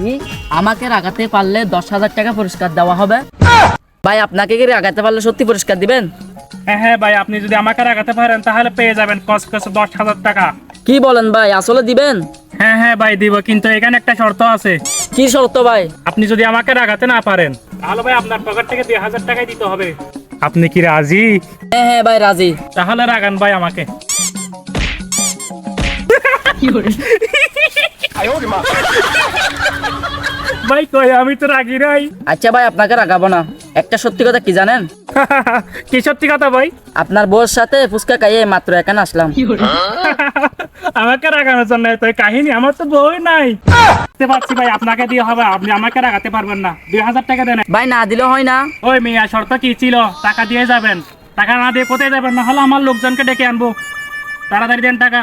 রাজি, আমাকে রাগাতে পারলে 10,000 টাকা পুরস্কার দেওয়া হবে। ভাই আপনাকে কি রাগাতে পারলে সত্যি পুরস্কার দিবেন? হ্যাঁ হ্যাঁ ভাই, আপনি যদি আমাকে রাগাতে পারেন তাহলে পেয়ে যাবেন কসকসে 10,000 টাকা। কি বলেন ভাই, আসলে দিবেন? হ্যাঁ হ্যাঁ ভাই দিব, কিন্তু এখানে একটা শর্ত আছে। কি শর্ত ভাই? আপনি যদি আমাকে রাগাতে না পারেন তাহলে ভাই আপনার পকেট থেকে 2,000 টাকাই দিতে হবে। আপনি কি রাজি? হ্যাঁ হ্যাঁ ভাই রাজি। তাহলে রাগান ভাই আমাকে। ভাই কই, আমি তো রাগি নাই। আচ্ছা ভাই আপনাকে রাগাবো না। একটা সত্যি কথা কি জানেন? কি সত্যি কথা ভাই? আপনার বউর সাথে ফুচকা খাইয়ে মাত্র এখানে আসলাম। আমাকে রাগানোর জন্য তো এই কাহিনী? আমার তো বই নাই। বুঝতে পারছি ভাই, আপনাকে দিয়ে হবে, আপনি আমাকে রাগাতে পারবেন না। 2,000 টাকা দেন। ভাই না দিলেও হয় না? ওই মিয়া, শর্ত কি ছিল? টাকা দিয়ে যাবেন। টাকা না দিয়ে কোথায় যাবেন? না হলে আমার লোকজনকে ডেকে আনবো। তাড়াতাড়ি দেন টাকা।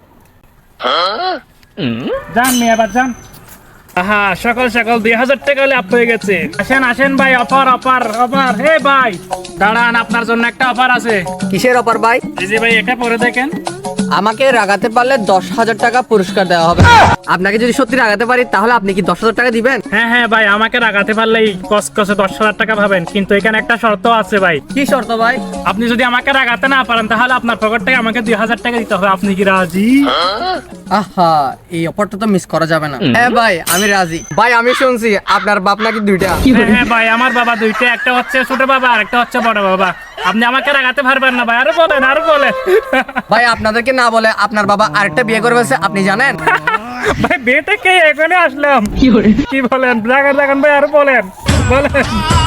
যান মিয়া, এবার যান। আহা, সকাল সকাল 2,000 টাকা লাভ হয়ে গেছে। আসেন আসেন ভাই, অফার অফার অফার। হে ভাই দাঁড়ান, আপনার জন্য একটা অফার আছে। কিসের অফার ভাই? এই যে ভাই, এটা পরে দেখেন। আমাকে রাগাতে পারলে 10,000 টাকা পুরস্কার দেওয়া হবে। আপনাকে যদি সত্যি রাগাতে পারি তাহলে আপনি কি 10,000 টাকা দিবেন? হ্যাঁ হ্যাঁ ভাই, আমাকে রাগাতে পারলেই কসকসে 10,000 টাকা পাবেন, কিন্তু এখানে একটা শর্ত আছে ভাই। কি শর্ত ভাই? আপনি যদি আমাকে রাগাতে না পারেন তাহলে আপনার পকেট থেকে আমাকে 2,000 টাকা দিতে হবে। আপনি কি রাজি? আহা, এই অফারটা তো মিস করা যাবে না। হ্যাঁ ভাই, আমি রাজি। ভাই আমি শুনছি আপনার বাপ নাকি দুইটা। হ্যাঁ হ্যাঁ ভাই, আমার বাবা দুইটা, একটা হচ্ছে ছোট বাবা আর একটা হচ্ছে বড় বাবা। আপনি আমাকে রাগাতে পারবেন না ভাই, আরো বলেন আরো বলেন। ভাই আপনাদেরকে না বলে আপনার বাবা আরেকটা বিয়ে করে ফেলছে, আপনি জানেন? ভাই বিয়েটা কে, এখানে আসলাম। কি বলেন? রাগান রাগান ভাই, আরো বলেন বলেন।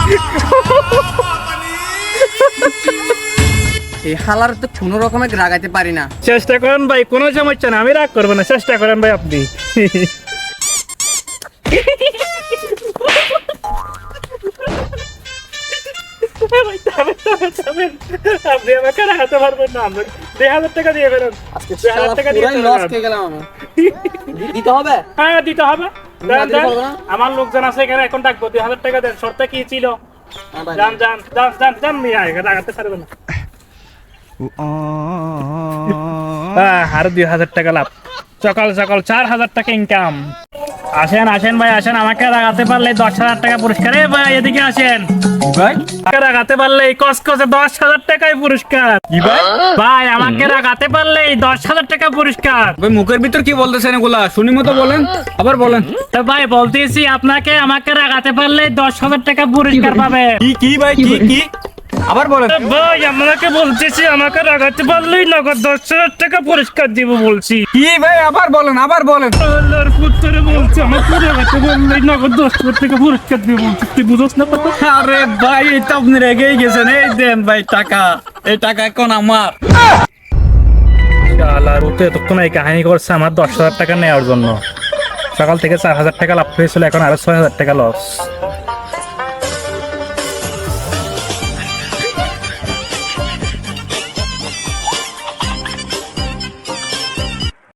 এই হালার তো কোনো রকমের রাগাতে পারি না। চেষ্টা করেন ভাই, কোনো সমস্যা না, আমি রাগ করবো না। চেষ্টা করেন ভাই আপনি। ভাই, থামেন, থামেন, থামেন। আপনি আমাকে রাগাতে পারবেন না। 2,000 টাকা দিয়ে ফেলেন। 2,000 টাকা দিয়ে ফেলেন। দিতে হবে? হ্যাঁ দিতে হবে। দেন, দিতে দেন। পারবো না? আমার লোকজন আছে এখানে, এখন ডাকবো। 2,000 টাকা দেন। শর্ত কি ছিল? ভাই। যান যান যান যান যান মিয়া, এখানে রাগাতে পারবে না। আর 2,000 টাকা লাভ। সকাল সকাল 4,000 টাকা ইনকাম। আসেন আসেন ভাই আসেন, আমাকে রাগাতে পারলে 10,000 টাকা পুরস্কার। এ ভাই এদিকে আসেন ভাই। আমাকে রাগাতে পারলে কসকসে 10,000 টাকায় পুরস্কার। কি ভাই? ভাই আমাকে রাগাতে পারলে 10,000 টাকা পুরস্কার। ভাই মুখের ভিতর কি বলতেছেন এগুলা? শুনি মতো বলেন, আবার বলেন। তো ভাই বলতেছি, আপনাকে আমাকে রাগাতে পারলে 10,000 টাকা পুরস্কার পাবে। কি কি ভাই, কি কি? আবার বলেন। ভাই আপনাকে বলতেছি, আমাকে রাগাতে পারলেই নগদ 10,000 টাকা পুরস্কার দিব বলছি। কি ভাই, আবার বলেন, আবার বলেন। আল্লাহর পুত্রে বলছি, আমাকে রাগাতে পারলেই নগদ 10,000 টাকা পুরস্কার দিব বলছি। তুই বুঝছ না কথা? আরে ভাই, এই তো আপনি রেগেই গেছেন। এই দেন ভাই টাকা, এই টাকা এখন আমার। শালার ও তো এতক্ষণ এই কাহিনী করছে আমার 10,000 টাকা নেওয়ার জন্য। সকাল থেকে 4,000 টাকা লাভ হয়েছিল, এখন আরো 6,000 টাকা লস।